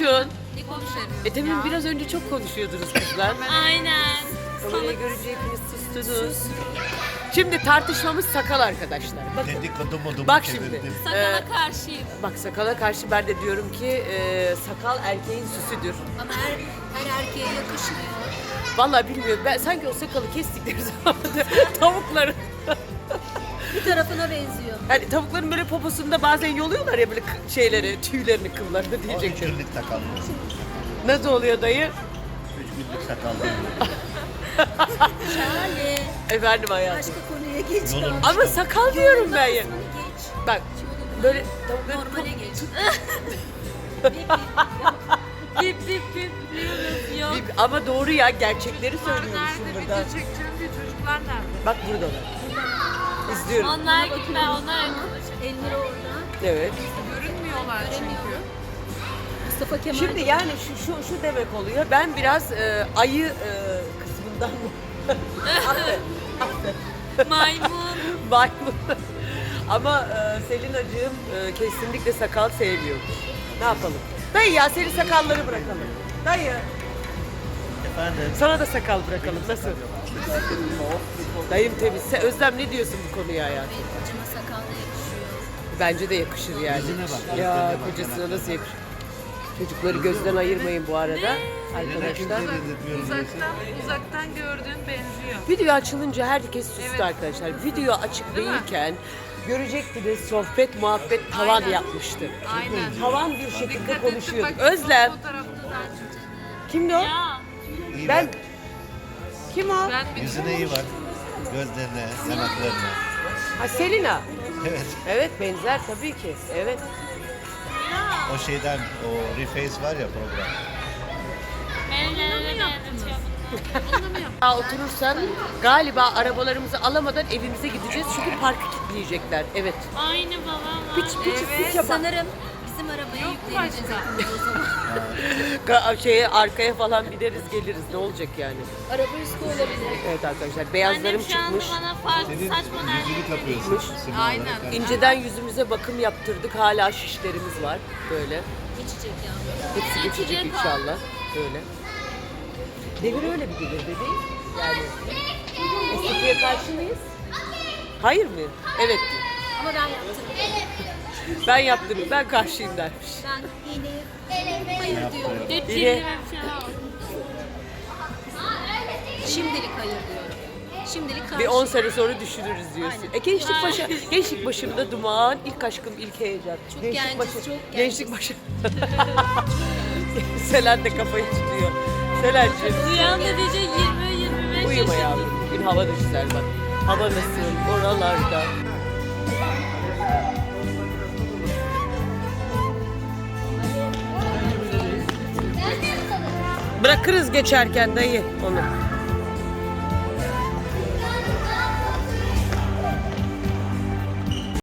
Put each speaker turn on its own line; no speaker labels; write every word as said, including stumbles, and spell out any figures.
konuşun.
Ne konuşalım?
E demin biraz önce çok konuşuyordunuz kızlar.
Aynen.
Kamerayı görünce hepiniz sustunuz. Şimdi tartışmamız sakal arkadaşlar. Bakın.
Dedikodu modumu
Bak
çevirdim.
şimdi.
Sakala
Ee,
karşıyım.
Bak sakala karşı ben de diyorum ki e, sakal erkeğin süsüdür.
Ama her, her erkeğe yakışmıyor.
Vallahi bilmiyorum. Ben sanki o sakalı kestikleri zaman tavukların
Bir tarafına benziyor.
hani tavukların böyle poposunda bazen yoluyorlar ya böyle kı- şeyleri, tüylerini, kıllarını
O üç
diyecektim.
günlük sakal.
Nasıl oluyor dayı?
Üç günlük sakal değil.
Şahane.
Efendim hayatım.
Başka konuya geç.
Yolun-
Ama sakal diyorum ben ya.
Kısmını geç.
Bak böyle tavukların
Normale geç. Bip bip bip diyoruz. Yok.
Bir- ama doğru ya, gerçekleri söylüyormuşum
Nerede
burada.
video çekeceğim diye çocuklar nerede?
Bak buradalar. İzliyorum.
Onlar gitme, onlar Elmir orada.
Evet.
Görünmüyorlar çünkü.
Mustafa Kemal.
Şimdi yani şu şu, şu demek oluyor. Ben biraz e, ayı e, kısmından
maymun.
maymun. Ama e, Selinacığım e, kesinlikle sakal sevmiyor. Ne yapalım? Dayı ya senin sakalları bırakalım. Dayı
Efendim?
sana da sakal bırakalım. Nasıl? Dayım temiz. Sen, Özlem ne diyorsun bu konuya hayatım?
Benim kocama sakal da yakışıyor.
Bence de yakışır yani.
Yüzüne bak,
Ya
gözlerine bak,
kocasına
yanaklarına.
nasıl yakışır? Çocukları gözden ayırmayın bu arada arkadaşlar.
Uzaktan, uzaktan gördüğün benziyor.
Video açılınca herkes sustu
Evet.
arkadaşlar. Video açık
Değil mi?
değilken görecektiniz sohbet muhabbet tavan
Aynen.
yapmıştı.
Aynen.
Tavan bir şekilde
Dikkat ettim,
konuşuyorduk.
bak,
Özlem.
fotoğraftadan.
Kimdi o?
Ya.
İyi
Ben.
bak.
Kim o?
Ben bir
Yüzüne iyi bak. Gözlerine, yanaklarına.
Ha Selina.
Evet.
Evet benzer tabii ki. Evet.
O şeyden, o Reface var ya program.
Daha oturursan galiba arabalarımızı alamadan evimize gideceğiz çünkü parkı kilitleyecekler. Evet.
Aynı babam.
Piç piç piç yapar.
Sanırım bizim arabaya
Yok
yükleneceğiz
başka.
hepimiz o zaman.
Ga- şeye arkaya falan bineriz geliriz ne olacak yani.
Araba üstü olabilir.
Evet arkadaşlar beyazlarım
Annem şu anda
çıkmış.
bana farklı
Senin
saçma
yüzünü
derdi.
kapıyorsun. Sima
Aynen.
olarak. Yani
İnceden yüzümüze bakım yaptırdık. Hala şişlerimiz var. Böyle.
Geçecek ya.
Hepsi geçecek
Geçecek o.
inşallah. Böyle. Devir öyle bir devir bebeğim. Yani estetiğe karşı mıyız? Hayır mı? Evet.
Ama ben yaptım.
Ben yaptım. Ben karşıyım dermiş.
Ben yine hayır diyorum.
Yine
Şimdilik hayır diyorum. Şimdilik karşı.
bir on sene sonra düşünürüz diyorsun.
Aynen.
E gençlik
Aynen.
başı, gençlik başımda duman, ilk aşkım, ilk heyecan.
Çok
gençlik
genciz,
başı,
çok
gençlik başı. Selen de kafayı tutuyor. Selen'cim
Uyan da diyecek yirmi yirmi beş
uyuma
yaşında.
yavrum. Bugün hava da güzel bak. Hava nasıl oralarda. Bırakırız geçerken dayı onu.